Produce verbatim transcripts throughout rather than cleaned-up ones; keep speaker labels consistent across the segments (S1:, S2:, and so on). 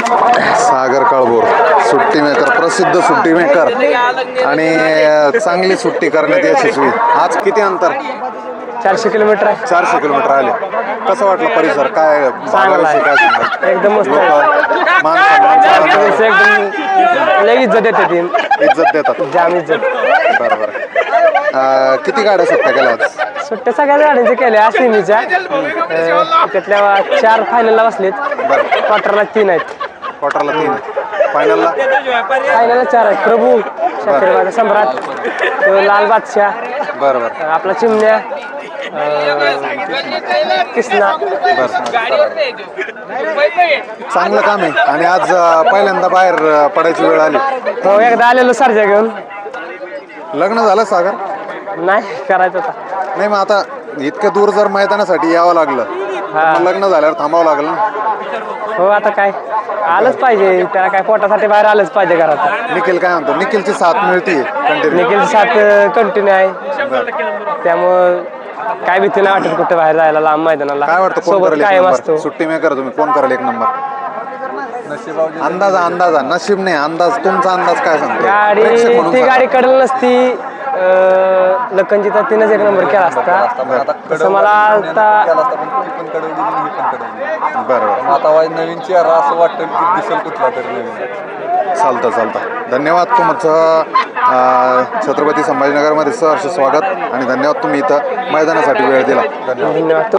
S1: सागर काळभोर सुट्टी मेकर, प्रसिद्ध सुट्टी मेकर आणि चांगली सुट्टी करण्यात यशस्वी. आज किती अंतर?
S2: चारशे किलोमीटर आहे.
S1: चारशे किलोमीटर आले. कसं वाटलं परिसर? काय भागाविषयी काय सांगाल?
S2: एकदम मस्त
S1: लोक मान सन्मान
S2: एकदम लई इज्जत देते ती,
S1: इज्जत देतात.
S2: जाम इज्जत.
S1: बरं बरं. अं, किती गाड्या सुट्ट्या केल्या आज?
S2: सुट्ट्या सगळ्या गाड्यांच्या केल्या सेमीच्या. अं, त्यातल्या चार फायनलला बसलेत, क्वार्टरला तीन आहेत.
S1: क्वार्टरला तीन, फायनलला
S2: फायनलला चार आहेत. प्रभू, शाकीरबाग, सम्राट, तो लाल बादशाह,
S1: बरं बरं
S2: आपला चिमण्या, अं, कृष्णा.
S1: चांगलं काम आहे. आणि आज अं, पहिल्यांदा बाहेर अं, पडायची वेळ आली.
S2: हो, एकदा आलेलो सरजा घेऊन.
S1: लग्न झालं सागर?
S2: नाही करायचं होता.
S1: नाही, मग आता इतक्या दूर जर मैदानासाठी यावं लागलं
S2: हा.
S1: मग लग्न झाल्यावर थांबावं लागलं ना.
S2: हो, आता काय आलंच पाहिजे त्याला, काय पोटासाठी बाहेर आलंच पाहिजे घरात.
S1: निखिल काय म्हणतो? निखिलची साथ मिळते कंटिन्यू.
S2: निखिलची साथ कंटिन्यू आहे, त्यामुळं काय भीती नाही वाटत कुठे बाहेर जायला लांब मैदानाला.
S1: काय वाटतं कोण
S2: सोबत
S1: करेल एक
S2: कायम
S1: नंबर?
S2: असतो.
S1: सुट्टी मेकर तुम्ही, कोण करेल एक नंबर? अंदाजा अंदाजा नशीब नाही, अंदाज. तुमचा अंदाज काय सांगतो?
S2: गाडी
S1: प्रेक्षक म्हणून
S2: ती
S1: सांगा.
S2: गाडी कडल नसती, अं, लखनची तर तिनंच एक नंबर केला असता. तसं मला आता
S1: बरं बरं.
S3: आता नवीन चेहरा असं वाटतं की दिसेल कुठला तरी नवीन.
S1: चालतं चालतं. धन्यवाद तुमचं. अं, छत्रपती संभाजीनगरमध्ये सहर्ष स्वागत आणि धन्यवाद तुम्ही इथं मैदानासाठी वेळ दिला.
S2: धन्यवाद.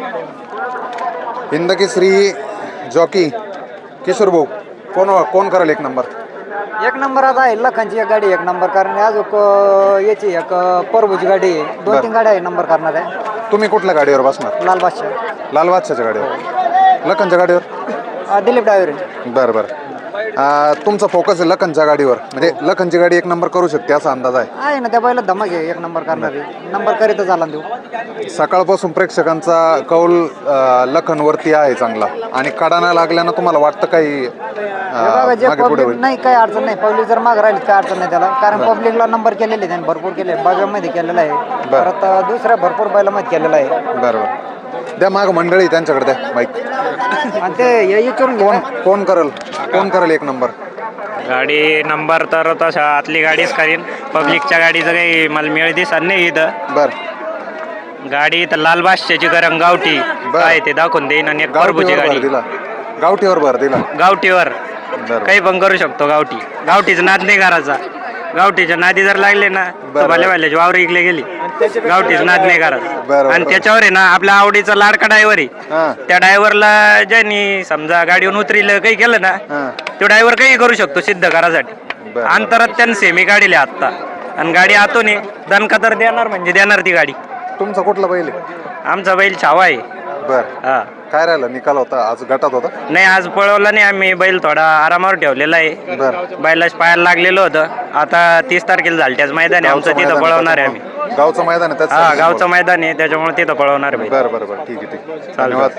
S1: हिंदकेसरी जॉकी किशोर भाऊ, कोण कोण करेल एक नंबर?
S4: एक नंबर आता आहे लखनची एक गाडी एक नंबर कारण अजून याची एक परभूची गाडी आहे. दोन
S1: बरं.
S4: तीन गाड्या एक नंबर करणार आहे.
S1: तुम्ही कुठल्या गाडीवर बसणार?
S4: लाल बादशाह,
S1: लाल बादशाच्या गाडीवर, लखनच्या गाडीवर?
S4: अं, दिलीप डायव्हर.
S1: बरं बरं. अं, तुमचा फोकस आहे लखनच्या गाडीवर, म्हणजे लखनची गाडी एक नंबर करू शकते असा अंदाज आहे?
S4: आहे ना, त्या बैला धमक आहे एक नंबर करणार आहे. नंबर करीतच झाला ना देऊ.
S1: सकाळपासून प्रेक्षकांचा कौल अं, लखनवरती आहे चांगला, आणि कडाना लागल्यानं तुम्हाला वाटतं काही अं,
S4: बघा, जे
S1: मागे पुढे
S4: पब्लिक
S1: होईल?
S4: नाही काही अडचण नाही. पब्लिक जर मागे राहिली काय अडचण नाही त्याला, कारण पब्लिकला नंबर केलेले त्यांनी भरपूर केले. बागामध्ये केलेला आहे, परत दुसऱ्या भरपूर बैलामध्ये केलेला आहे.
S1: बरं बरं. द्या माग मंडळी, त्यांच्याकडे द्या माईक.
S4: आणि ते हे विचारून घ्या.
S1: कोण कोण करेल कोण करेल एक नंबर?
S5: गाडी नंबर तर तशा आतली गाडीच करीन. पब्लिकच्या गाडीचं काही मला मिळ दिसत नाही इथं.
S1: बरं.
S5: गाडी तर लाल बादशाची गरम गावठी काय ते दाखवून देईन, आणि एक परभूची
S1: गावठीवर भर
S5: गाडी
S1: दिला, गावठीवर भर दिला.
S5: गावठीवर
S1: बरं.
S5: काही पण करू शकतो. गावठी गावठीचं नाद नाही करायचा. गावठीच्या नादी जर लागले ना
S1: बरं.
S5: तर भले भले वावर इकले गेली. गावठीच नाद नाही करायचा.
S1: बरं.
S5: आणि त्याच्यावर आहे ना आपल्या आवडीचा लाडका ड्रायव्हर आहे.
S1: हां
S5: त्या ड्रायव्हरला ज्यांनी समजा गाडीवरून उतरिलं काही केलं ना,
S1: हां.
S5: तो ड्रायव्हर काही करू शकतो सिद्ध करायसाठी.
S1: बरं.
S5: अंतरात त्यानं सेमी काढली आत्ता, आणि गाडी आतून आहे. दणका तर देणार म्हणजे देणार ती गाडी.
S1: तुमचा कुठला बैल आहे?
S5: आमचा बैल छावा आहे.
S1: बरं.
S5: हा,
S1: काय राहिलं? निकाल होता आज, गटात होता?
S5: नाही आज पळवला नाही आम्ही. बैल थोडा आरामावर ठेवलेला आहे.
S1: बरं.
S5: बैलाच पायाला लागलेलं होतं. आता तीस तारखेला झालं त्याच मैदान आहे आमचं, तिथं पळवणार आहे आम्ही.
S1: गावचं मैदान आहे
S5: हा,
S1: त्याचं?
S5: गावचं मैदान आहे त्याच्यामुळे तिथं पळवणार आहे.
S1: बरं बरं बरं. ठीक आहे ठीक आहे. धन्यवाद.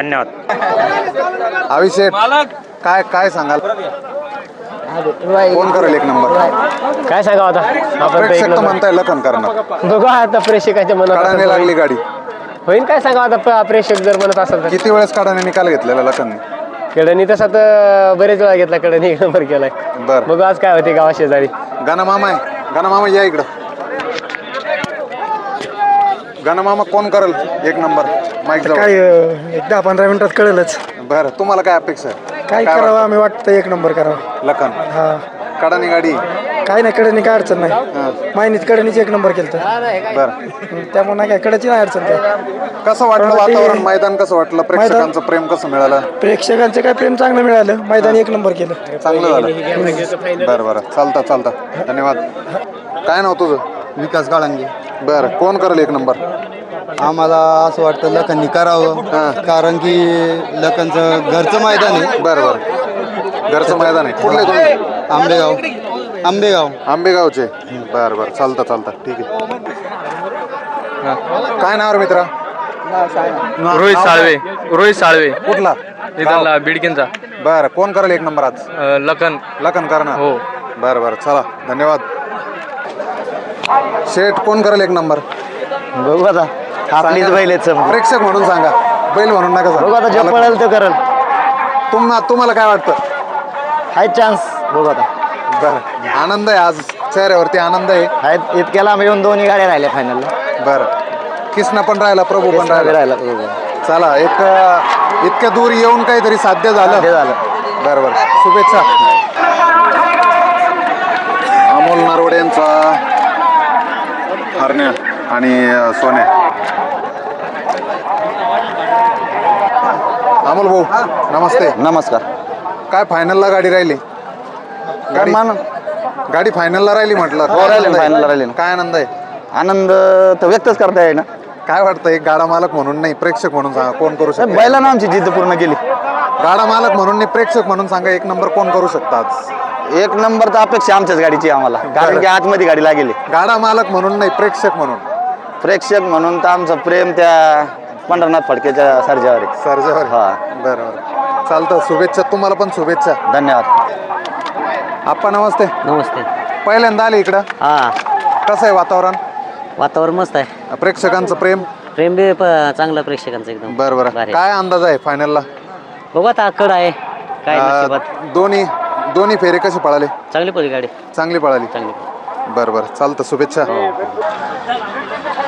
S5: धन्यवाद.
S1: अभिषेक, काय काय सांगाल? कोण करेल एक नंबर?
S2: काय सांगावं आता आपण तर एक
S1: प्रेक्षक तर
S2: नंबर.
S1: म्हणताय लखन करणार.
S2: बघू आता प्रेक्षकाच्या मनात
S1: कडाने
S2: असं
S1: लागली गाडी.
S2: होईल. काय सांगावं आता प- प्रेक्षक जर म्हणत असेल तर.
S1: किती वेळेस कडाने निकाल घेतलेला लखनने?
S2: कडणी तसा तर बरेच वेळा घेतला, कडणी एक नंबर केलाय.
S1: बरं.
S2: बघू आज काय होते गावा शेजारी.
S1: गाना मामा आहे, गाना मामा या इकडं. गाना मामा कोण करेल एक नंबर? माईक जवळ.
S6: काय दहा पंधरा मिनिटात कळेलच.
S1: बरं, तुम्हाला काय अपेक्षा आहे?
S6: काय
S1: काय
S6: करावं आम्ही वाटतं एक नंबर करावं.
S1: लखन
S6: हा,
S1: कडाने गाडी.
S6: काय नाही कडनी काय अडचण नाही.
S1: हां.
S6: मायनीच कडनीच एक नंबर केलं
S1: बरं.
S6: त्यामुळे नाही काय कडाची नाही अडचण काय.
S1: कसं वाटलं
S6: पण ते-
S1: वातावरण, मैदान कसं वाटलं, प्रेक्षकांचं प्रेम कसं मिळालं?
S6: प्रेक्षकांचं काय प्रेम चांगलं मिळालं. मैदान एक नंबर केलं.
S1: चांगलं झालं. बरं बरं. चालतं चालतं. धन्यवाद. काय नाव तुझं?
S3: विकास काळंगे.
S1: बरं. कोण करेल एक नंबर?
S3: आम्हाला असं वाटतं लखननी करावं, कारण की लखनचं घरचं मैदान आहे.
S1: बरं बरं. घरचं मैदान आहे. कुठले तुम्ही?
S3: आंबेगाव. आंबेगाव.
S1: आंबेगावचे. बरं बरं. चालतं चालतं. ठीक आहे. काय नाव रे मित्रा?
S7: रोहित साळवे. रोहित साळवे
S1: कुठला?
S7: इथला बिडकीनचा.
S1: बरं. कोण करेल एक नंबर आज?
S7: अं, लखन.
S1: लखन करणार.
S7: हो.
S1: बरं बरं. चला, धन्यवाद. शेठ, कोण करेल एक नंबर?
S2: बघू आता आपलीच बैल आहेत समोर.
S1: प्रेक्षक म्हणून सांगा, बैल म्हणून नका
S2: बघू आता जे
S1: सांगा.
S2: पळेल ते करेल.
S1: तुम्हा तुम्हाला काय वाटतं?
S3: आहे चान्स बघू आता
S1: बरं आनंद आहे आज चेहऱ्यावरती आनंद आहे.
S3: आहेत इतक्याला आम्ही येऊन दोन्ही गाड्या राहिल्या फायनलला
S1: बरं किसना पण राहिला प्रभू पण राहिला.
S3: राहिला
S1: चला एक अं, इतक्या दूर येऊन काहीतरी साध्य झालं.
S3: ते झालं
S1: बरं बरं शुभेच्छा. अमोल नरवडे यांचा हरण्या आणि अं, सोन्या. अमोल भाऊ नमस्ते.
S3: नमस्कार
S1: काय फायनलला गाडी राहिली? गाडी गाडी फायनलला राहिली म्हटलं.
S3: हो,
S1: काय
S3: राहिली,
S1: आनंद आहे?
S3: फायनलला राहिली ना.
S1: काय आनंद आहे?
S3: आनंद तर व्यक्तच करता येईल ना.
S1: काय वाटतं एक गाडा मालक म्हणून नाही प्रेक्षक म्हणून सांगा कोण करू शकतो?
S3: बैलानं आमची जिद्द पूर्ण केली.
S1: गाडा मालक म्हणून नाही प्रेक्षक म्हणून सांगा एक नंबर कोण करू शकता आज?
S3: एक नंबर तर अपेक्षा आमच्याच गाडीची आहे आम्हाला, कारण की आतमध्ये गाडी लागेली.
S1: गाडा मालक म्हणून नाही प्रेक्षक म्हणून.
S3: प्रेक्षक म्हणून तर आमचं प्रेम त्या पंढरनाथ फडकेच्या सर्जावर आहे.
S1: सर्जेवर.
S3: हा.
S1: बरं बरं चालतं. शुभेच्छा तुम्हाला पण शुभेच्छा.
S3: धन्यवाद.
S1: आप्पा नमस्ते.
S2: नमस्ते.
S1: पहिल्यांदा आले इकडं.
S2: हा
S1: कसं आहे वातावरण?
S2: वातावरण मस्त आहे.
S1: प्रेक्षकांचं प्रेम?
S2: प्रेम बी चांगलं प्रेक्षकांचं एकदम.
S1: बरं बरं काय अंदाज आहे फायनलला?
S2: बघू आता कड आहे काय
S1: अं, दोन्ही दोन्ही फेरे कसे पळाले?
S2: चांगली पडली गाडी
S1: चांगली पळाली.
S2: चांगली
S1: बरं बरं चालतं शुभेच्छा.